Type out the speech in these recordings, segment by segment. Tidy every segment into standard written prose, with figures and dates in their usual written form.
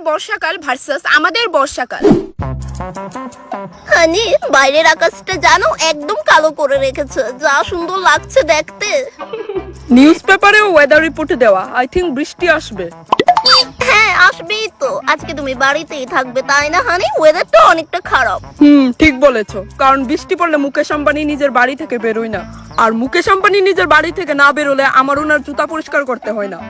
বর্ষাকাল ভার্সাস আমাদের বর্ষাকাল। হানি, বাইরের আকাশটা জানো একদম কালো করে রেখেছে, যা সুন্দর লাগছে দেখতে। নিউজ পেপারেও ওয়েদার রিপোর্টে দেওয়া, আই থিংক বৃষ্টি আসবে। হ্যাঁ, আসবেই তো। আজকে তুমি বাড়িতেই থাকবে তাই না হানি? ওয়েদারটা অনেকটা খারাপ। ঠিক বলেছো, কারণ বৃষ্টি পড়লে মুকেশ আম্বানি নিজের বাড়ি থেকে বেরোয় না, আর মুকেশ আম্বানি নিজের বাড়ি থেকে না বেরোলে আমার ওনার জুতা পরিষ্কার করতে হয় না।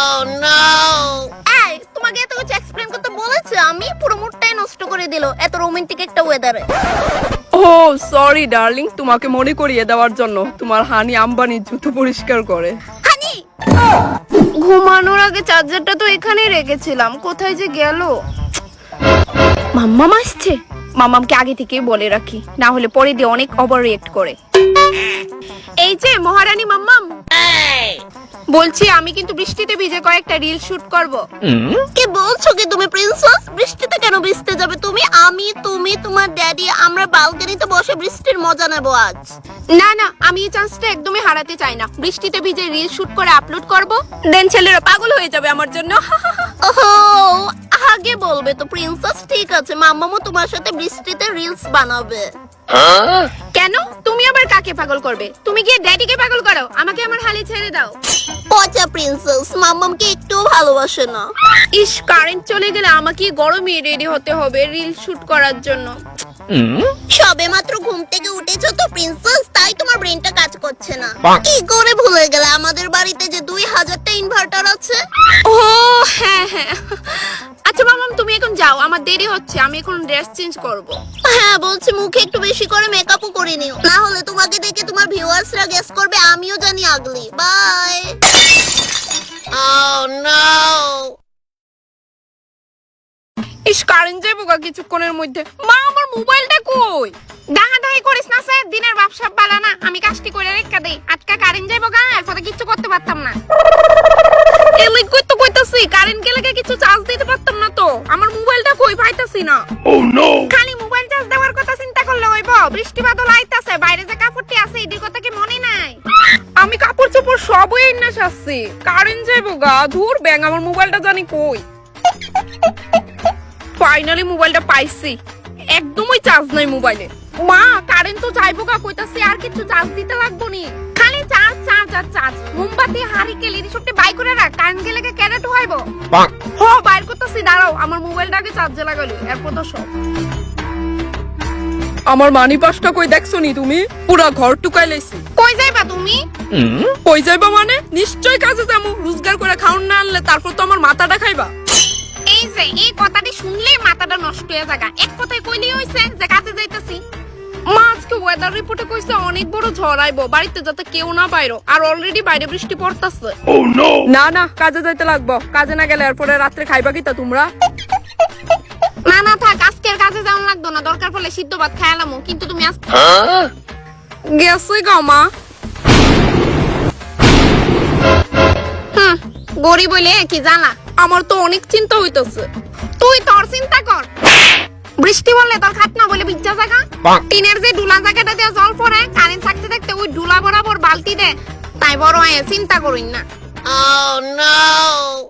এই, তোমাকে এত কিছু এক্সপ্লেন করতে বলেছে, আমি পুরো মুডটাই নষ্ট করে দিল এত রোমান্টিক একটা ওয়েদারে। ও সরি ডার্লিং, তোমাকে মনে করিয়ে দেওয়ার জন্য তোমার হানি আম্বানি জুতো পরিষ্কার করে। হানি, ঘুমানোর আগে চার্জারটা তো এখানেই রেখেছিলাম, কোথায় যে গেল? মাম্মাম আসছে, মাম্মামকে আগে থেকেই বলে রাখি, না হলে পরে দিয়ে অনেক ওভার রিয়েক্ট করে। এই যে মহারানী মাম্মাম, বলছি আমি কিন্তু বৃষ্টিতে ভিজে কয়েকটা রিল শুট করব। কি বলছো কি তুমি প্রিন্সেস? বৃষ্টিতে কেন ভিজতে যাবে তুমি? তুমি তোমার ড্যাডি আমরা বালকনিতে বসে বৃষ্টির মজা নেব আজ। না না, আমি এই চান্সটা একদমই হারাতে চাই না। বৃষ্টিতে ভিজে রিল শুট করে আপলোড করব, দেন ছেলেরা পাগল হয়ে যাবে আমার জন্য। ওহো, আগে বলবে তো প্রিন্সেস। ঠিক আছে, মাম্মামও তোমার সাথে বৃষ্টিতে রিলস বানাবে। কেন? তুমি আবার কাকে পাগল করবে? তুমি গিয়ে ড্যাডিকে পাগল করো, আমাকে আমার হালে ছেড়ে দাও। পচা প্রিন্সেস, মাম্মামকে একটুও ভালোবাসে না। ইস, কারেন্ট চলে গেলে আমাকে গরমে রেডি হতে হবে রিল শুট করার জন্য। সবে মাত্র ঘুম থেকে উঠেছো তো প্রিন্সেস, তাই তোমার ব্রেনটা কাজ করছে না। কি করে ভুলে গেলে আমাদের বাড়িতে যে 2000টা ইনভার্টার আছে? ও হ্যাঁ হ্যাঁ। আচ্ছা মামাম, তুমি এখন যাও, আমার দেরি হচ্ছে, আমি এখন ড্রেস চেঞ্জ করব। হ্যাঁ বলছি, মুখে একটু বেশি করে মেকআপও করে নিও, না হলে তোমাকে দেখে তোমার ভিউয়ার্সরা গেস করবে আমিও জানি আগলি। বাই। Oh no! ইস, কারেন্ট যাইবো গা কিছুক্ষণের মধ্যে। মা, আমার মোবাইলটা কই? দাহাদাহি করিস না স্যার, দিনের ব্যবসা বালা না, আমি কাজটি করে রেখা দেই। আজকে কারেন্ট যাইবো গা, এরপরে কিছু করতে পারতাম না। এমনি কই তো কইতাছি, কারেন্ট গেলে কিছু চার্জ দিতে পারতাম না তো। আমার মোবাইলটা কই পাইতাছি না। Oh no! খালি মোবাইল চার্জ দেওয়ার কথা চিন্তা করলে হইব? বৃষ্টি বাদল আইতাছে, বাইরে যে কাপড়টি আছে এটির কথা কি মনে নাই? আমি কাপড় চোপড় সবই এনে সারছি, কারেন্ট যাইবো গা। ধুর ব্যাং, আমার মোবাইলটা জানি কই। ফাইনালি মোবাইলটা পাইছি, একদমই চার্জ নাই মোবাইলে। মা, কারেন্ট তো যাইবো গা কইতাছি, আর কিছু চার্জ দিতে লাগবো নি। খালি চার্জ চার্জ আর চার্জ। মোমবাতি হারিকেল এর সবটি বাই করে রাখ, কারেন্ট গেলে ক্যারেট হইব। হ, বাইর করতেছি, দাঁড়াও, আমার মোবাইলটা আগে চার্জে লাগালো, এরপর তো সব। আমার মানি পাসটা কই দেখছো নি তুমি? পুরা ঘর টুকাই লাইছি। কই যাইবা তুমি? কই যাইবা মানে? নিশ্চয় কাজে যামু। রোজগার করে খাউন না আনলে তারপর তো আমার মাথাটা খাইবা। এই যে এই কথাটি শুনলেই মাথাটা নষ্ট হয়ে যাগা। এক কথায় কইলেই হইছে যে কাজে যাইতাছি। মা, আজকে ওয়েদার রিপোর্টে কইছে অনেক বড় ঝড় আইবো, বাড়িতে যাতে কেউ না বাইরো, আর অলরেডি বাইরে বৃষ্টি পড়তাছে। না না, কাজে যাইতে লাগবো। কাজে না গেলে এরপরে রাত্রে খাইবা কিতা তোমরা? না না থাক, আজকের কাজে যাওয়া লাগতো না, দরকার পড়লে সিদ্ধ ভাত খাইলামো, কিন্তু তুমি আজ গেছে গা মা। গরিব বলে কি জানা, আমার তো অনেক চিন্তা হইতেছে। তুই তোর চিন্তা কর। বৃষ্টি বললে তোর খাট না বলে বিজ্জা জায়গা, টিনের যে ডুলা জায়গাটা দিয়ে জল পড়ে, কারেন্ট থাকতে থাকতে ওই ডুলা বরাবর বালতি দে, তাই বড় চিন্তা করিন না। Oh no!